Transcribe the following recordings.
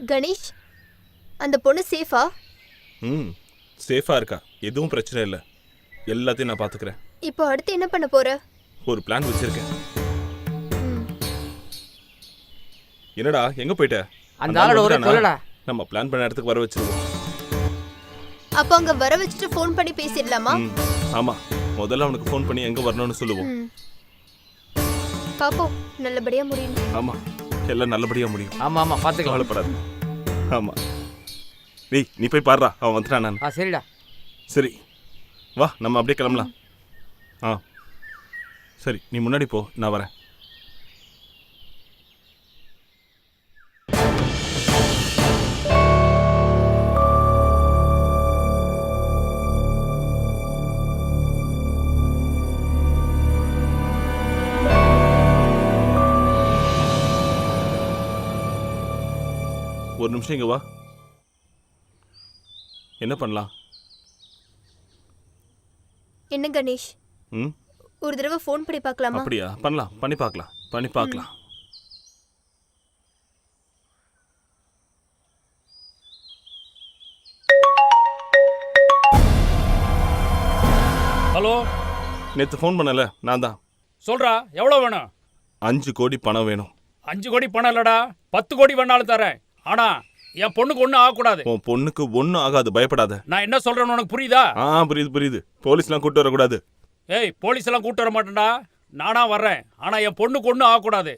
கணேஷ், அந்த பொண்ணு சேஃபா? சேஃபா இருக்கா, எதுவும் பிரச்சனை இல்லை. எல்லாத்தையும் நான் பாத்துக்கிறேன். இப்போ அடுத்து என்ன பண்ண போற? ஒரு பிளான் வச்சிருக்கேன். என்னடா எங்க போயிட்ட? அந்த ஆளோட ஒரே கொல்லடா. நம்ம பிளான் பண்ண இடத்துக்கு வர வச்சிருவோம். அப்ப அங்க வர வச்சுட்டு ஃபோன் பண்ணி பேசிடலாமா? ஆமா, முதல்ல அவனுக்கு ஃபோன் பண்ணி எங்க வரணும்னு சொல்லுவோம். பாப்போம், நல்லபடியா முடியும். ஆமா, எல்லாம் நல்லபடியா முடியும். ஆமா ஆமா, பாத்துக்கலாம், கவலைப்படாத. ஆமா, நீ போய் பாருடா, அவன் வந்துட்டான். நான் சரிடா. சரி வா, நம்ம அப்படியே கிளம்பலாம். சரி, நீ முன்னாடி போ, நான் வரேன். ஒரு நிமிஷம் இங்க வா. என்ன பண்ணலாம்? என்ன கணேஷ், ஒரு தடவை ஃபோன் பண்ணி பார்க்கலாமா? அப்படியா? பண்ணலாம், பண்ணி பார்க்கலாம். ஹலோ, நேற்று ஃபோன் பண்ணல, நான் தான். சொல்றா, எவ்வளோ வேணும்? 5 கோடி பணம் வேணும். 5 கோடி பணம் இல்லடா, 10 கோடி வேணாலும் தரேன். ஆனா என் பொண்ணுக்கு ஒன்றும் ஆகக்கூடாது. உன் பொண்ணுக்கு ஒன்றும் ஆகாது, பயப்படாத. நான் என்ன சொல்றேன்னு உனக்கு புரியுதா? புரியுது. போலீஸ்லாம் கூட்டு வரக்கூடாது. ஏய், போலீஸ் எல்லாம் கூட்டு வர மாட்டேன்டா, நானா வர்றேன். ஆனா என் பொண்ணுக்கு ஒன்றும் ஆகக்கூடாது.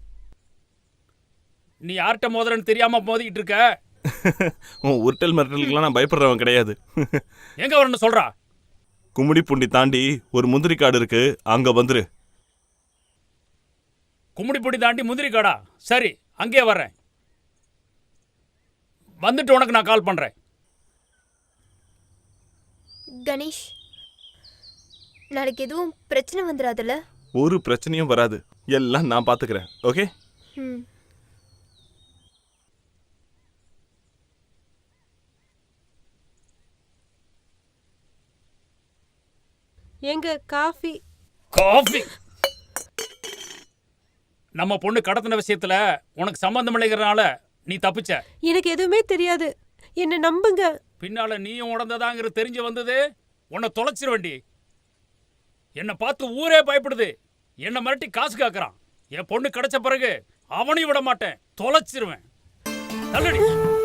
நீ யார்கிட்ட மோதுறன்னு தெரியாம மோதிக்கிட்டு இருக்க. உன் உருட்டல் மிரட்டலுக்குலாம் நான் பயப்படுறவன் கிடையாது. எங்க வரணும்னு சொல்றா? கும்மிடிப்பூண்டி தாண்டி ஒரு முந்திரி காடு இருக்கு, அங்க வந்துரு. கும்மிடிப்பூண்டி தாண்டி முந்திரி காடா? சரி, அங்கே வர்றேன். வந்துட்டு உனக்கு நான் கால் பண்றேன். கணேஷ், நாளைக்கு எதுவும் பிரச்சனை வந்துடாதுல்ல? ஒரு பிரச்சனையும் வராது, எல்லாம் நான் பாத்துக்கிறேன். ஓகே? எங்க காஃபி? நம்ம பொண்ணு கடத்தின விஷயத்துல உனக்கு சம்பந்தம் இல்லைங்கிறனால நீ தப்பிச்ச. எனக்கு எதுவுமே தெரியாது, என்ன நம்புங்க. பின்னால நீயும் உடந்ததாங்கிறது தெரிஞ்சு வந்தது, உன்னை தொலைச்சிருவேண்டி. என்னை பார்த்து ஊரே பயப்படுது. என்னை மிரட்டி காசு காக்குறான். என் பொண்ணு கிடைச்ச பிறகு அவனையும் விட மாட்டேன், தொலைச்சிருவேன். தள்ளுடி.